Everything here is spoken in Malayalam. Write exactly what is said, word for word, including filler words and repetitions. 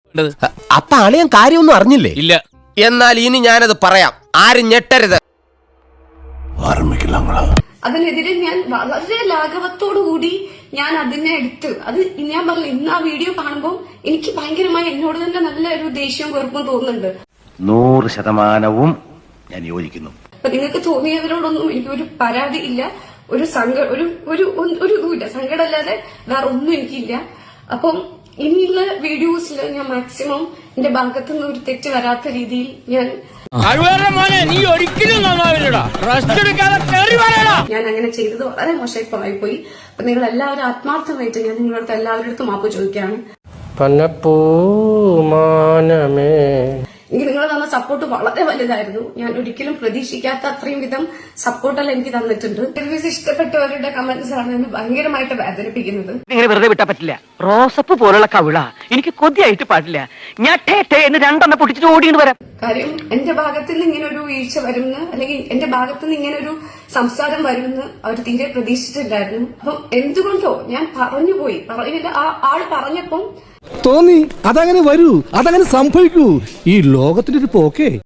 അപ്പൊ അളിയൻ കാര്യമൊന്നും അറിഞ്ഞില്ലേ? ഇല്ല. എന്നാൽ ഇനി ഞാനത് പറയാം, ആരും ഞെട്ടരുത്. അതിനെതിരെ ഞാൻ വളരെ ലാഘവത്തോടു കൂടി ഞാൻ അതിനെ എടുത്ത് അത് ഞാൻ പറഞ്ഞു. ഇന്ന് ആ വീഡിയോ കാണുമ്പോൾ എനിക്ക് ഭയങ്കരമായി എന്നോട് തന്നെ നല്ല ഒരു ദേഷ്യവും വെറുപ്പും തോന്നുന്നുണ്ട്. നൂറ് ശതമാനവും ഞാൻ യോജിക്കുന്നു. അപ്പൊ നിങ്ങൾക്ക് തോന്നിയവരോടൊന്നും എനിക്കൊരു പരാതി ഇല്ല, ഒരു സങ്ക ഒരു ഒരു ഒരു ഇതുമില്ല, സങ്കടമല്ലാതെ വേറെ ഒന്നും എനിക്കില്ല. അപ്പം ഇനിയുള്ള വീഡിയോസിൽ ഞാൻ മാക്സിമം എന്റെ ഭാഗത്തു നിന്ന് ഒരു തെറ്റ് വരാത്ത രീതിയിൽ ഞാൻ ഞാൻ അങ്ങനെ ചെയ്തത് വളരെ മോശമായി പോയി. അപ്പൊ നിങ്ങൾ എല്ലാവരും ആത്മാർത്ഥമായിട്ട് ഞാൻ നിങ്ങളുടെ എല്ലാവരുടെ മാപ്പ് ചോദിക്കുകയാണ്. എനിക്ക് നിങ്ങൾ തന്ന സപ്പോർട്ട് വളരെ വലുതായിരുന്നു. ഞാൻ ഒരിക്കലും പ്രതീക്ഷിക്കാത്ത അത്രയും വിധം സപ്പോർട്ടെല്ലാം എനിക്ക് തന്നിട്ടുണ്ട്. റിവ്യൂസ് ഇഷ്ടപ്പെട്ടവരുടെ കമന്റ്സ് ആണ് എന്നെ ഭയങ്കരമായിട്ട് വേദനിപ്പിക്കുന്നത്. ഇങ്ങനെ വെറുതെ വിട്ടാ പറ്റില്ല. റോസപ്പ് പോലുള്ള കവിള എനിക്ക് കൊതിയായിട്ട് പാടില്ല. ഞാൻ എന്ന് രണ്ടെണ്ണം പൊട്ടിച്ചിട്ട് ഓടിയിട്ട് വരാം. കാര്യം എന്റെ ഭാഗത്ത് നിന്ന് ഇങ്ങനെ ഒരു വീഴ്ച വരുമെന്ന്, അല്ലെങ്കിൽ എന്റെ ഭാഗത്ത് നിന്ന് ഇങ്ങനെ ഒരു സംസാരം വരുമെന്ന് അവർ തീരെ പ്രതീക്ഷിച്ചിട്ടില്ലായിരുന്നു. അപ്പം എന്തുകൊണ്ടോ ഞാൻ പറഞ്ഞുപോയി. പറഞ്ഞില്ല, ആ ആള് പറഞ്ഞപ്പം തോന്നി അതങ്ങനെ വരൂ, അതങ്ങനെ സംഭവിക്കൂ. ഈ ലോകത്തിന്റെ ഒരു പോക്കേ.